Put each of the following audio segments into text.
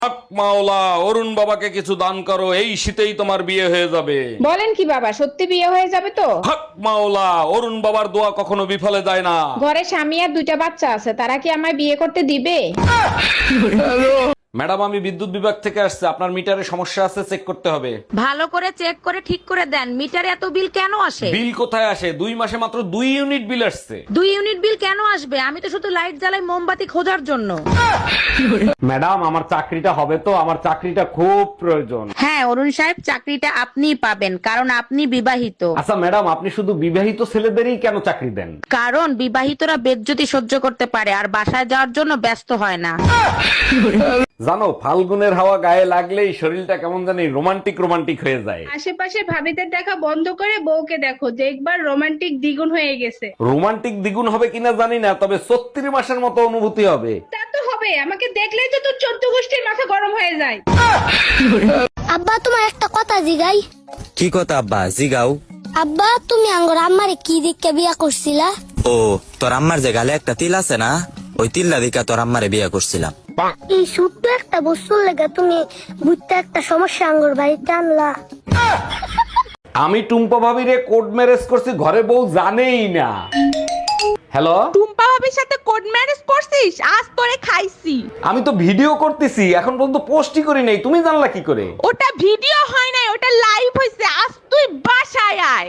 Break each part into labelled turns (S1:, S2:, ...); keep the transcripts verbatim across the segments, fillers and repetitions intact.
S1: হক মাওলা, অরুণ বাবাকে কিছু দান করো, এই শীতেই তোমার বিয়ে হয়ে যাবে।
S2: বলেন কি বাবা, সত্যি বিয়ে হয়ে যাবে তো?
S1: হক মাওলা, অরুণ বাবার দোয়া কখনো বিফলে যায় না।
S2: ঘরে স্বামী আর দুইটা বাচ্চা আছে, তারা কি আমায় বিয়ে করতে দিবে?
S1: ম্যাডাম, আমি বিদ্যুৎ বিভাগ থেকে আসছে, আপনার মিটারে সমস্যা আছে, চেক করতে হবে।
S3: ভালো করে চেক করে ঠিক করে দেন। মিটারে এত বিল কেন আসে?
S1: বিল কোথায় আসে? দুই মাসে মাত্র দুই ইউনিট বিল আসছে।
S3: দুই ইউনিট বিল কেন আসবে? আমি তো শুধু লাইট জ্বালাই মোমবাতি খোঁজার জন্য।
S1: ম্যাডাম, আমার চাকরিটা হবে তো? আমার চাকরিটা খুব প্রয়োজন।
S3: হ্যাঁ অরুণ সাহেব, চাকরিটা আপনিই পাবেন, কারণ আপনি বিবাহিত।
S1: আচ্ছা ম্যাডাম, আপনি শুধু বিবাহিত ছেলেদেরই কেন চাকরি দেন?
S3: কারণ বিবাহিতরা বেজ্জতি সহ্য করতে পারে আর বাসায় যাওয়ার জন্য ব্যস্ত হয় না।
S1: জানো, ফাল্গুনের হাওয়া গায়ে লাগলেই শরীরটা কেমন জানি রোমান্টিক রোমান্টিক হয়ে যায়।
S4: আশেপাশে ভাবিদের দেখা বন্ধ করে বউকে দেখো, দেখবার রোমান্টিক দ্বিগুণ হয়ে গেছে।
S1: রোমান্টিক দ্বিগুণ হবে কিনা জানি না, তবে ছত্রিশ মাসের মতো অনুভূতি হবে।
S4: তা তো হবে, আমাকে দেখলেই তো তোর চোদ্দ গোষ্ঠীর মাথা গরম হয়ে যায়।
S5: আব্বা তোমার একটা কথা জিগাই।
S6: কি কথা আব্বা? জিগাও।
S5: আব্বা তুমি আঙ্গর আম্মারে কি দিককে বিয়া করছিলা?
S6: ও, তোর আম্মার যে গালে একটা তিল আছে না, ওই তিল্লা দিকা তোর আম্মারে বিয়া করছিলাম।
S5: এই ছোট্ট একটা বস্তুর লেগে তুমি বুঝতে একটা সমস্যা আঙ্গর বাড়িতে আনলা।
S1: আমি টুম্পা ভাবিরে কোড ম্যারেজ করছি, ঘরে বউ জানেই না। হ্যালো,
S7: টুম্পা ভাবির সাথে কোড ম্যারেজ করছিস? আজ তোরে খাইছি।
S1: আমি তো ভিডিও করতেছি, এখন পর্যন্ত পোস্টই করি নাই, তুমি জানলা কি করে?
S7: ওটা ভিডিও হয় নাই, ওটা লাইভ হইছে। আজ তুই বাসায় আয়।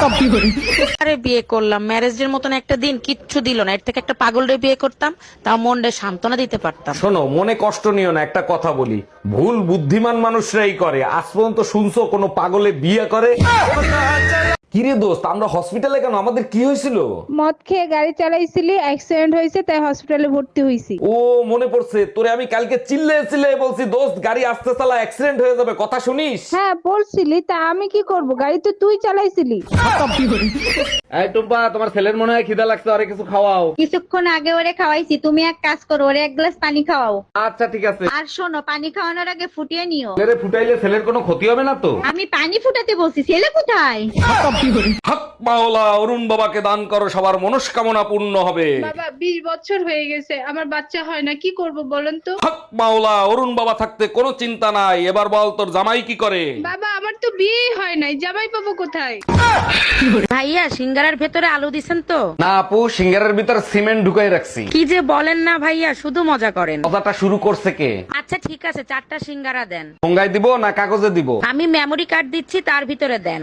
S3: আরে বিয়ে করলাম, ম্যারেজের মতন একটা দিন কিচ্ছু দিল না। এর থেকে একটা পাগলরে বিয়ে করতাম, তাও মনরে সান্ত্বনা দিতে পারতাম।
S1: শোনো, মনে কষ্ট নিও না, একটা কথা বলি, ভুল বুদ্ধিমান মানুষরাই করে। আজ পর্যন্ত শুনছো কোনো পাগলে বিয়ে করে? কিরে দোস্ত, আমরা হসপিটালে কেন? আমাদের কি হয়েছিল?
S2: মদ খেয়ে গাড়ি চালাইছিলি, অ্যাক্সিডেন্ট হয়েছে, তাই হসপিটালে ভর্তি হইছি।
S1: ও মনে পড়ছে, তোরে আমি কালকে চিল্লে চিল্লে বলছি, দোস্ত গাড়ি আস্তে চালা, অ্যাক্সিডেন্ট হয়ে যাবে, কথা শুনিস?
S2: হ্যাঁ বলছিলি, তা আমি কি করব? গাড়ি তো তুই চালাইছিলি।
S1: এই টুম্পা, তোমার ছেলের মনে হয় খিদা লাগছে, আরে কিছু খাওয়াও।
S8: কিছুক্ষণ আগে ওরে খাওয়াইছি, তুমি এক কাজ করো, ওরে এক গ্লাস পানি খাওয়াও।
S1: আচ্ছা ঠিক আছে।
S8: আর শোনো, পানি খাওয়ানোর আগে ফুটিয়ে নিও।
S1: ছেলেরে ফুটাইলে ছেলের কোনো ক্ষতি হবে না তো?
S8: আমি পানি ফুটাতে বলছি, ছেলে কোথায়?
S1: হক মাওলা, অরুণ বাবাকে দান করো, সবার মনস্কামনা পূর্ণ হবে।
S4: বাবা বিশ বছর হয়ে গেছে, আমার বাচ্চা হয় না, কি করব বলেন তো?
S1: হক মাওলা, অরুণ বাবা থাকতে কোনো চিন্তা নাই। এবার বল, তোর জামাই কি করে?
S4: বাবা আমার তো বিয়ে হয় নাই, জামাই পাবো কোথায়?
S3: ভাইয়া, সিঙ্গারার ভেতরে আলু দিছেন তো?
S1: না আপু, সিঙ্গারের ভিতর সিমেন্ট ঢুকাই রাখছি।
S3: কি যে বলেন না ভাইয়া, শুধু মজা করেন।
S1: কথাটা শুরু করছে কে?
S3: আচ্ছা ঠিক আছে, চারটা সিঙ্গারা দেন।
S1: ঠোঙ্গায় দিব না কাগজে দিব?
S3: আমি মেমোরি কার্ড দিচ্ছি, তার ভিতরে দেন।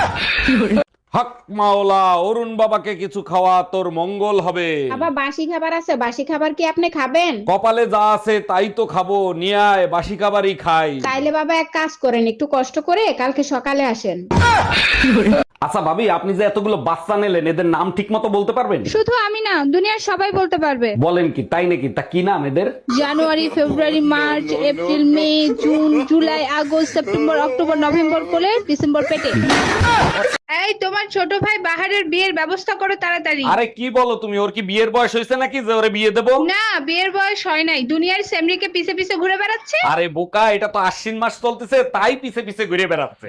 S1: হক মাওলা, অরুণ বাবাকে কিছু খাওয়া, তোর মঙ্গল হবে।
S2: বাবা বাসি খাবার আছে, বাসি খাবার কি আপনি খাবেন?
S1: কপালে যা আছে তাই তো খাবো, নিয়ে আয়, বাসি খাবারই খাই।
S2: তাইলে বাবা এক কাজ করেন, একটু কষ্ট করে কালকে সকালে আসেন।
S1: আচ্ছা ভাবি, আপনি যে এতগুলো বাচ্চা নিলেন, এদের নাম ঠিক মতো বলতে পারবেন?
S4: শুধু আমি না, দুনিয়ার সবাই বলতে পারবে।
S1: বলেন কি, তাই নাকি? তা কি নাম এদের?
S4: January, February, March, April, May, June, July, August, September, October, November কোলে, ডিসেম্বর পেটে। এই তোমার ছোট ভাই বাহারের বিয়ের ব্যবস্থা করো তাড়াতাড়ি।
S1: আরে কি বলো তুমি? ওর কি বিয়ের বয়স হয়েছে নাকি যে ওরে বিয়ে দেবো?
S4: না, বিয়ের বয়স হয় নাই, দুনিয়ার সেমরিকে পিছে পিছে ঘুরে বেড়াচ্ছে।
S1: আরে বোকা, এটা তো আশ্বিন মাস চলতেছে, তাই পিছে পিছে ঘুরে বেড়াচ্ছে।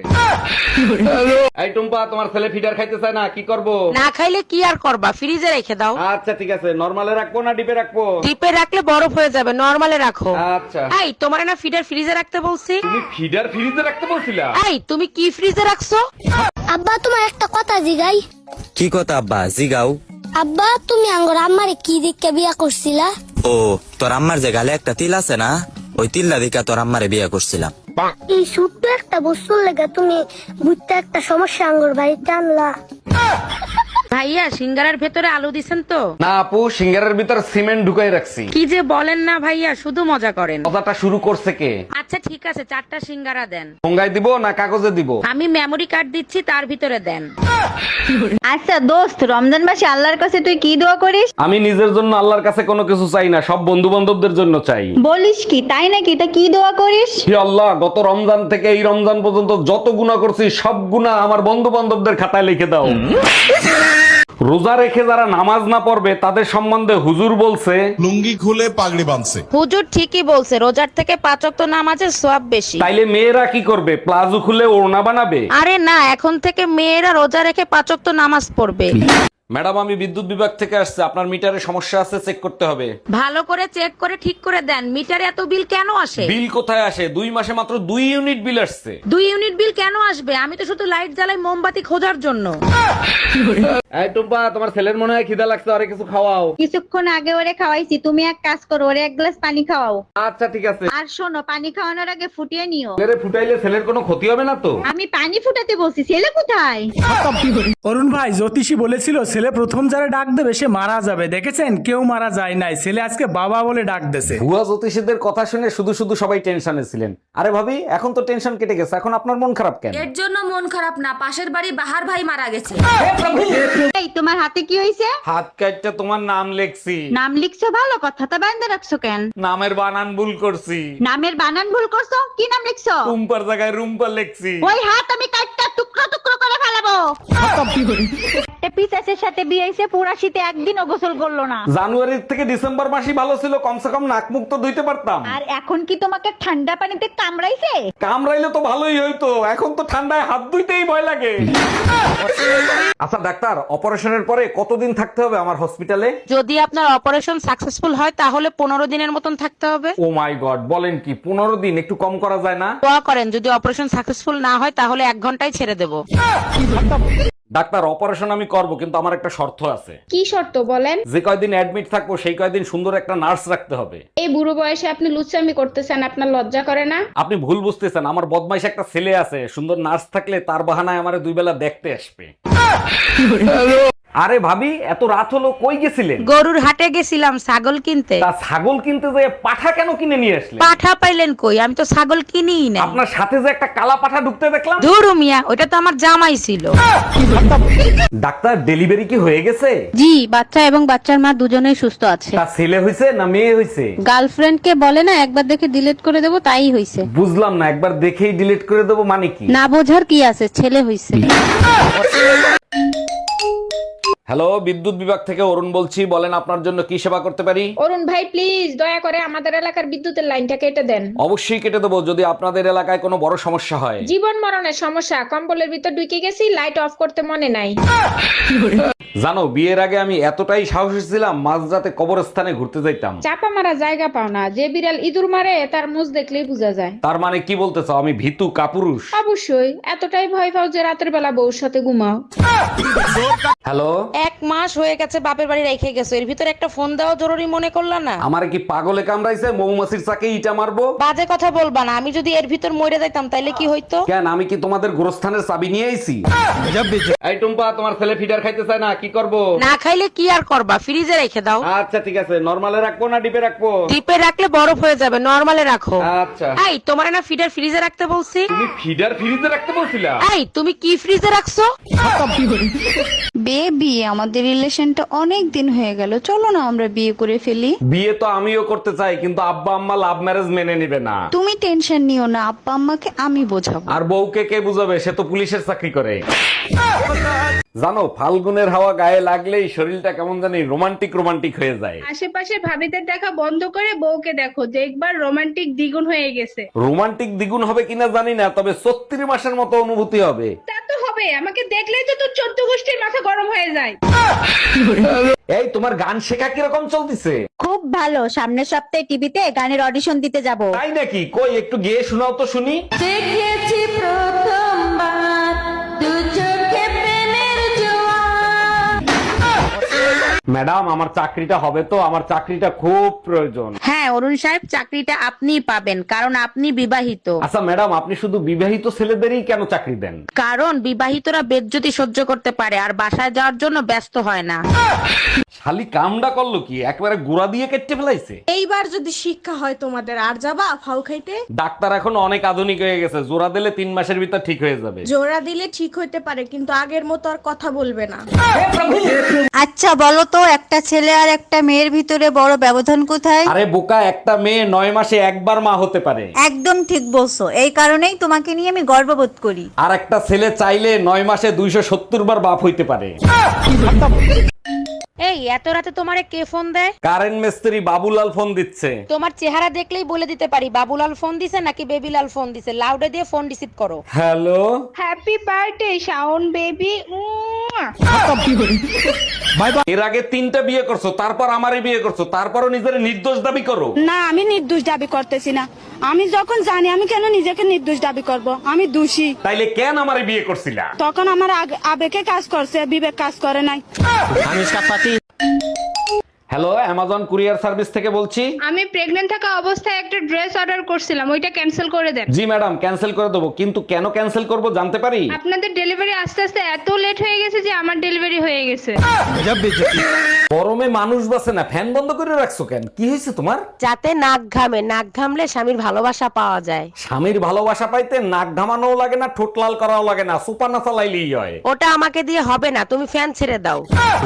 S1: এই টুম্পা, তোমার ছেলে ফিডার খাইতে চায় না, কি করব?
S3: না খাইলে কি আর করবা, ফ্রিজে রেখে দাও।
S1: আচ্ছা ঠিক আছে, নরমালে রাখবো না ডিপে রাখবো?
S3: ডিপে রাখলে বরফ হয়ে যাবে, নরমালে রাখো।
S1: আচ্ছা।
S3: এই তোমার না ফিডার ফ্রিজে রাখতে বলছি?
S1: তুমি ফিডার ফ্রিজে রাখতে বলছিলা?
S3: এই তুমি কি ফ্রিজে রাখছো?
S5: আব্বা তোমার একটা কথা জিগাই।
S6: কি কথা আব্বা? জিগাও।
S5: আব্বা তুমি আঙ্গর আম্মারে কি দিককে বিয়া করছিলা?
S6: ও, তোর আম্মার যে গালে একটা তিল আছে না, ওই তিল্লা দিকা তোর আম্মারে বিয়া করছিলাম।
S5: এই ছোট্ট একটা বস্তুর লেগে তুমি বুঝতে একটা সমস্যা আঙ্গর বাড়িতে আনলা।
S3: ভাইয়া, সিঙ্গারার ভেতরে আলু দিছেন তো?
S1: না আপু, সিঙ্গারের ভিতর সিমেন্ট ঢুকাই রাখছি।
S3: কি যে বলেন না ভাইয়া, শুধু মজা করেন।
S1: কথাটা শুরু করছে কে?
S3: আচ্ছা ঠিক আছে, চারটা সিঙ্গারা দেন।
S1: ঠোঙ্গায় দিব না কাগজে দিব?
S3: আমি মেমোরি কার্ড দিচ্ছি, তার ভিতরে দেন।
S8: আচ্ছা দোস্ত, রমজান মাসে আল্লাহর কাছে তুই কি দোয়া করিস?
S1: আমি নিজের জন্য আল্লাহর কাছে কোনো কিছু চাই না, সব বন্ধু বান্ধবদের জন্য চাই।
S8: বলিস কি, তাই নাকি? তা কি দোয়া করিস?
S1: হে আল্লাহ, গত রমজান থেকে এই রমজান পর্যন্ত যত গুনাহ করছি, সব গুনাহ আমার বন্ধু বান্ধবদের খাতায় লিখে দাও। রোজা রেখে যারা নামাজ না পড়বে তাদের সম্বন্ধে হুজুর বলছে,
S9: লুঙ্গি খুলে পাগড়ি বাঁধছে।
S3: হুজুর ঠিকই বলছে, রোজার থেকে পাঁচ ওয়াক্ত নামাজের সওয়াব বেশি।
S1: তাইলে মেয়েরা কি করবে? প্লাজো খুলে ওড়না বানাবে?
S3: আরে না, এখন থেকে মেয়েরা রোজা রেখে পাঁচ ওয়াক্ত নামাজ পড়বে।
S1: ম্যাডাম আমি বিদ্যুৎ বিভাগ থেকে আসছে, আপনার মিটারে সমস্যা আছে, চেক করতে হবে।
S3: ভালো করে চেক করে ঠিক করে দেন, মিটারে এত বিল কেন আসে?
S1: বিল কোথায় আসে? দুই মাসে মাত্র দুই ইউনিট বিল আসছে।
S3: দুই ইউনিট বিল কেন আসবে? আমি তো শুধু লাইট জ্বালাই মোমবাতি খোঁজার জন্য।
S1: এই টুম্পা, তোমার ছেলের মনে হয় খিদা লাগছে, আরে কিছু খাওয়াও।
S8: কিছুক্ষণ আগে ওরে খাওয়াইছি, তুমি এক কাজ করো, ওরে এক গ্লাস পানি খাওয়াও।
S1: আচ্ছা ঠিক আছে।
S8: আর শোনো, পানি খাওয়ানোর আগে ফুটিয়ে নিও।
S1: ছেলেরে ফুটাইলে ছেলের কোনো ক্ষতি হবে না তো?
S8: আমি পানি ফুটাতে বলছি, ছেলে কোথায়?
S10: অরুণ ভাই, জ্যোতিষী বলেছিল ছেলে প্রথম যারা ডাক দেবে সে মারা যাবে। দেখেছেন, কেউ মারা যায় নাই, ছেলে আজকে বাবা বলে ডাক দেছে।
S1: ভুয়া জ্যোতিষীদের কথা শুনে শুধু শুধু সবাই টেনশনে ছিলেন। আরে ভাবি, এখন তো টেনশন কেটে গেছে, এখন আপনার মন খারাপ কেন?
S7: এর জন্য মন খারাপ না, পাশের বাড়ি বাহার ভাই মারা গেছে।
S8: এই তোমার হাতে কি হয়েছে?
S1: হাত কাটটা তোমার নাম লেখছি।
S8: নাম লিখছো, ভালো কথা, তা বান্ধে রাখছো কেন?
S1: নামের বানান ভুল করছি।
S8: নামের বানান ভুল করছো? কি নাম লিখছো?
S1: রুম্পার জায়গায় রুম্পা লেখছি।
S8: ওই হাত আমি কাটটা টুকরো টুকরো করে ফেলাবো। একটা পিসাসের সাথে বিয়ে হইছে, পুরা শীতে একদিনও গোসল করলো না।
S1: জানুয়ারি থেকে ডিসেম্বর মাসই ভালো ছিল, কমসে কম নাক মুখ তো ধুইতে পারতাম।
S8: আর এখন কি তোমাকে ঠান্ডা পানিতে কামড়াইছে?
S1: কামড়াইলে তো ভালোই হইতো, এখন তো ঠান্ডায় হাত ধুইতেই ভয় লাগে। আচ্ছা ডাক্তার, অপারেশনের পরে কতদিন থাকতে হবে আমার হসপিটালে?
S3: যদি আপনার অপারেশন সাকসেসফুল হয় তাহলে পনেরো দিনের মতন থাকতে হবে।
S1: ও মাই গড, বলেন কি? পনেরো দিন? একটু কম করা যায় না?
S3: দোয়া করেন যদি অপারেশন সাকসেসফুল না হয় তাহলে এক ঘন্টায় ছেড়ে দেবো।
S1: ডাক্তার, অপারেশন আমি করব, কিন্তু আমার একটা শর্ত আছে।
S4: কি শর্ত বলেন?
S1: যে কয়দিন অ্যাডমিট থাকবো সেই কয়দিন সুন্দর একটা নার্স রাখতে হবে।
S4: এই বুড়ো বয়সে আপনি লুচ্চামি করতেছেন, আপনার লজ্জা করে না?
S1: আপনি ভুল বুঝতেছেন, আমার বদমাইশ একটা ছেলে আছে, সুন্দর নার্স থাকলে তার বাহানায় আমারে দুই বেলা দেখতে আসবে। আরে ভাবি, এত রাত হলো, কই গেছিলেন?
S3: গরুর হাটে গেছিলাম ছাগল কিনতে।
S1: তা ছাগল কিনতে যে পাঠা কেন কিনে নিয়ে আসলেন?
S3: পাঠা পাইলেন কই? আমি তো ছাগল কিনিই না।
S1: আপনার সাথে যে একটা কালা পাঠা ঢুকতে দেখলাম।
S3: ধুরু মিয়া, ওটা তো আমার জামাই ছিল।
S1: ডাক্তার, ডেলিভারি কি হয়ে গেছে?
S8: জি, বাচ্চা এবং বাচ্চার মা দুজনেই সুস্থ আছে।
S1: তা ছেলে হইছে না মেয়ে হইছে?
S8: গার্লফ্রেন্ড কে বলে না একবার দেখে ডিলিট করে দেবো, তাই হইছে।
S1: বুঝলাম না, একবার দেখেই ডিলিট করে দেবো মানে কি?
S8: না বোঝার কি আছে, ছেলে হইছে।
S1: হ্যালো, বিদ্যুৎ বিভাগ থেকে অরুণ বলছি, বলেন আপনার জন্য কি সেবা করতে পারি?
S4: অরুণ ভাই প্লিজ দয়া করে আমাদের এলাকার বিদ্যুতের লাইনটা কেটে দেন।
S1: অবশ্যই কেটে দেবো, যদি আপনাদের এলাকায় কোনো বড় সমস্যা হয়।
S4: জীবন মরণের সমস্যা, কম্বলের ভিতর ঢুকে গেছি, লাইট অফ করতে মনে নাই।
S1: জানো, বিয়ের আগে আমি এতটাই সাহসী ছিলাম, মাঝরাতে কবরস্থানে ঘুরতে যাইতাম।
S4: চাপা মারা জায়গা পাও না, যে বিড়াল ইঁদুর মারে তার মুখ দেখলেই বোঝা যায়।
S1: তার মানে কি বলতে চাও, আমি ভীতু কাপুরুষ?
S4: অবশ্যই, এতটাই ভয় পাও যে রাতের বেলা বউর সাথে ঘুমাও।
S1: হ্যালো,
S3: এক মাস হয়ে গেছে বাপের বাড়ি রেখে গেছো, এর ভিতরে একটা ফোন দেওয়া জরুরি মনে করলা না?
S1: আমারে কি পাগলে কামড়াইছে? মৌমাছির চাকে ইটা মারবো?
S3: বাজে কথা বলবা না, আমি যদি এর ভিতর মরে যাইতাম তাইলে কি হইতো?
S1: কেন, আমি কি তোমাদের গোরস্থানের চাবি নিয়ে আইছি? এই টুম্পা, তোমার ছেলে ফিডার খাইতে চায় না, কি করব?
S3: না খাইলে কি আর করবা, ফ্রিজে রেখে দাও।
S1: আচ্ছা ঠিক আছে, নরমালে রাখবো না ডিপে রাখবো?
S3: ডিপে রাখলে বরফ হয়ে যাবে, নরমালে রাখো।
S1: আচ্ছা।
S3: এই তোমার না ফিডার ফ্রিজে রাখতে বলছি?
S1: তুমি ফিডার ফ্রিজে রাখতে বলছিলা?
S3: এই তুমি কি ফ্রিজে রাখছো?
S8: বেবি, আমাদের রিলেশনটা অনেক দিন হয়ে গেল, চলো না আমরা বিয়ে করে ফেলি।
S1: বিয়ে তো আমিও করতে চাই, কিন্তু আব্বা আম্মা লাভ ম্যারেজ মেনে নিবে না।
S8: তুমি টেনশন নিও না, আব্বা আম্মাকে আমি বোঝাবো।
S1: আর বউকে কে বুঝাবে, সে তো পুলিশের চাকরি করে। জানো, ফাল্গুনের হাওয়া গায়ে লাগলেই শরীরটা কেমন জানি রোমান্টিক রোমান্টিক হয়ে যায়।
S4: আশেপাশে ভাবিদের দেখা বন্ধ করে বউকে দেখো, দেখবার রোমান্টিক দ্বিগুণ হয়ে গেছে।
S1: রোমান্টিক দ্বিগুণ হবে কিনা জানি না, তবে ছত্রিশ মাসের মতো অনুভূতি হবে।
S4: তা তো হবে, আমাকে দেখলেই তো তোর চোদ্দ গোষ্ঠীর মাথা গরম হয়ে যায়।
S1: এই তোমার গান শেখা কিরকম চলতেছে?
S8: খুব ভালো, সামনের সপ্তাহে টিভিতে গানের অডিশন দিতে যাব।
S1: তাই নাকি? কই একটু গেয়ে শোনাও তো শুনি।
S3: দেখেছি প্রথমবার দু চোখে প্রেমের জোয়ার।
S1: ম্যাডাম, আমার চাকরিটা হবে তো? আমার চাকরিটা খুব প্রয়োজন।
S3: হ্যাঁ অরুণ সাহেব, চাকরিটা আপনিই পাবেন, কারণ আপনি বিবাহিত।
S1: আচ্ছা ম্যাডাম, আপনি শুধু বিবাহিত ছেলেদেরই কেন চাকরি দেন?
S3: কারণ বিবাহিতরা বেজ্জতি সহ্য করতে পারে আর বাসায় যাওয়ার জন্য ব্যস্ত হয় না।
S1: শালি কামডা করলো কি, একবারে গুড়া দিয়ে কেটে ফেলাইছে।
S7: এইবার যদি শিক্ষা হয় তোমাদের, আর যাবা ফাউ খাইতে?
S1: ডাক্তার এখন অনেক আধুনিক হয়ে গেছে, জোড়া দিলে তিন মাসের ভিতর ঠিক হয়ে যাবে।
S7: জোড়া দিলে ঠিক হইতে পারে, কিন্তু আগের মতো আর কথা বলবে না।
S8: আচ্ছা বলো তো, একটা ছেলে আর একটা মেয়ের ভিতরে বড় ব্যবধান কোথায়?
S1: আরে বোকা, একটা মেয়ে নয় মাসে একবার মা হতে পারে।
S8: একদম ঠিক বলছো, এই কারণেই তোমাকে নিয়ে আমি গর্ববোধ করি।
S1: আর একটা ছেলে চাইলে নয় মাসে দুইশো সত্তর বার বাপ হইতে পারে।
S3: এই এত রাতে তোমারে কে ফোন দেয়?
S1: কারেন্ট মিস্ত্রি বাবুলাল ফোন দিচ্ছে।
S3: তোমার চেহারা দেখলেই বলে দিতে পারি বাবুলাল ফোন দিছে নাকি বেবিলাল ফোন দিছে। লাউডে দিয়ে ফোন রিসিভ করো।
S1: Hello,
S4: happy birthday Shaon baby.
S1: এর আগে তিনটা বিয়ে করছো, তারপর আমারই বিয়ে করছো, তারপরও নিজের নির্দোষ দাবি করো।
S8: না, আমি নির্দোষ দাবি করতেছি না। আমি যখন জানি আমি কেন নিজেকে নির্দোষ দাবি করব? আমি দোষী।
S1: তাইলে কেন আমারই বিয়ে করছিলা?
S8: তখন আমার আগ- আবেগে কাজ করছে, বিবেক কাজ করে নাই।
S1: হ্যালো, অ্যামাজন কুরিয়ার সার্ভিস থেকে বলছি।
S4: আমি প্রেগন্যান্ট থাকা অবস্থায় একটা ড্রেস অর্ডার করছিলাম, ওইটা ক্যান্সেল করে দেন।
S1: জি ম্যাডাম, ক্যান্সেল করে দেবো, কিন্তু কেন ক্যান্সেল করব জানতে পারি?
S4: আপনাদের ডেলিভারি আস্তে আস্তে এত লেট হয়ে গেছে যে আমার ডেলিভারি হয়ে গেছে।
S1: গরমে মানুষ বাসে না, ফ্যান বন্ধ করে রাখছো কেন? কি হয়েছে তোমার?
S3: যাতে নাক ঘামে, নাক ঘামলে স্বামীর ভালোবাসা পাওয়া যায়।
S1: স্বামীর ভালোবাসা পাইতে নাক ঘামানোও লাগে না, ঠোঁট লাল করাও লাগে না, সুপার না চালাইলেই হয়।
S3: ওটা আমাকে দিয়ে হবে না, তুমি ফ্যান ছেড়ে দাও।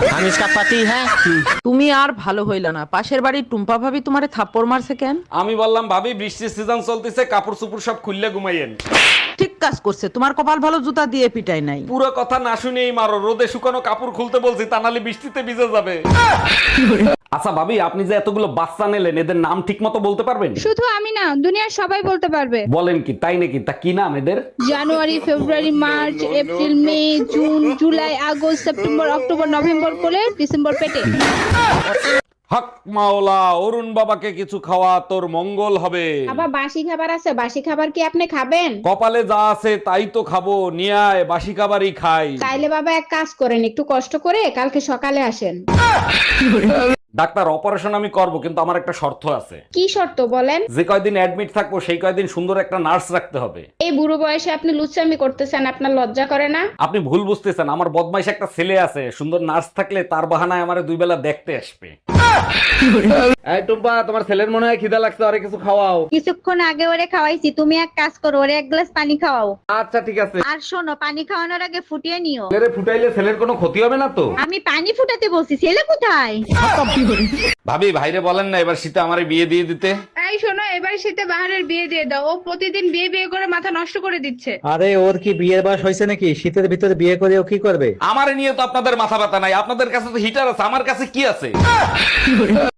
S7: তুমি আর ভালো হইল না। পাশের বাড়ির টুম্পা ভাবি তোমারে থাপ্পড় মারছে কেন?
S1: আমি বললাম ভাবি বৃষ্টির সিজন চলতেছে, কাপড় চুপড় সব খুললে ঘুমাইয়েন।
S7: ঠিক কাজ করছে, তোমার কপাল ভালো জুতা দিয়ে পিটাই নাই।
S1: পুরো কথা না শুনেই মারো, রোদে শুকানো কাপড় খুলতে বলছি, তা নাহলে বৃষ্টিতে ভিজে যাবে। আচ্ছা ভাবি, আপনি যে এতগুলো বাচ্চা নিলেন, এদের নাম ঠিক মতো বলতে পারবেন?
S4: শুধু আমি না, দুনিয়ার সবাই বলতে পারবে।
S1: বলেন কি, তাই নাকি? তা কি নাম এদের?
S4: January, February, March, April, May, June, July, August, September, October, November করে ডিসেম্বর পেটে।
S1: হক মাওলা, অরুণ বাবাকে কিছু খাওয়া, তোর মঙ্গল হবে।
S2: বাবা বাসি খাবার আছে, বাসি খাবার কি আপনি খাবেন?
S1: কপালে যা আছে তাই তো খাবো, নিয়ে আয়, বাসি খাবারই খাই।
S2: তাইলে বাবা এক কাজ করেন, একটু কষ্ট করে কালকে সকালে আসেন।
S1: ডাক্তার, অপারেশন আমি করব, কিন্তু আমার একটা শর্ত আছে।
S2: কি শর্ত বলেন?
S1: যে কয়দিন অ্যাডমিট থাকবো সেই কয়দিন সুন্দর একটা নার্স রাখতে হবে।
S2: এই বুড়ো বয়সে আপনি লুচ্চামি করতেছেন, আপনার লজ্জা করে না?
S1: আপনি ভুল বুঝতেছেন, আমার বদমাইশ একটা ছেলে আছে, সুন্দর নার্স থাকলে তার বাহানায় আমারে দুই বেলা দেখতে আসবে। এই টুম্পা, তোমার ছেলের মনে হয় খিদা লাগছে, আরে কিছু খাওয়াও।
S8: কিছুক্ষণ আগে ওরে খাওয়াইছি, তুমি এক কাজ করো, ওরে এক গ্লাস পানি খাওয়াও।
S1: আচ্ছা ঠিক আছে।
S8: আর শোনো, পানি খাওয়ানোর আগে ফুটিয়ে নিও।
S1: ছেলেরে ফুটাইলে ছেলের কোনো ক্ষতি হবে না তো?
S8: আমি পানি ফুটাতে বলছি, ছেলে কোথায়?
S1: ভাবি, ভাইরে বলেন না এবার শীতে আমারে বিয়ে দিয়ে দিতে।
S4: এই শোনো, এবার শীতে বাহারের বিয়ে দিয়ে দাও, ও প্রতিদিন বিয়ে বিয়ে করে মাথা নষ্ট করে দিচ্ছে।
S10: আরে ওর কি বিয়ের বয়স হয়েছে নাকি? শীতের ভিতরে বিয়ে করে ও কি করবে?
S1: আমারে নিয়ে তো আপনাদের মাথা ব্যথা নাই, আপনাদের কাছে তো হিটার আছে, আমার কাছে কি আছে?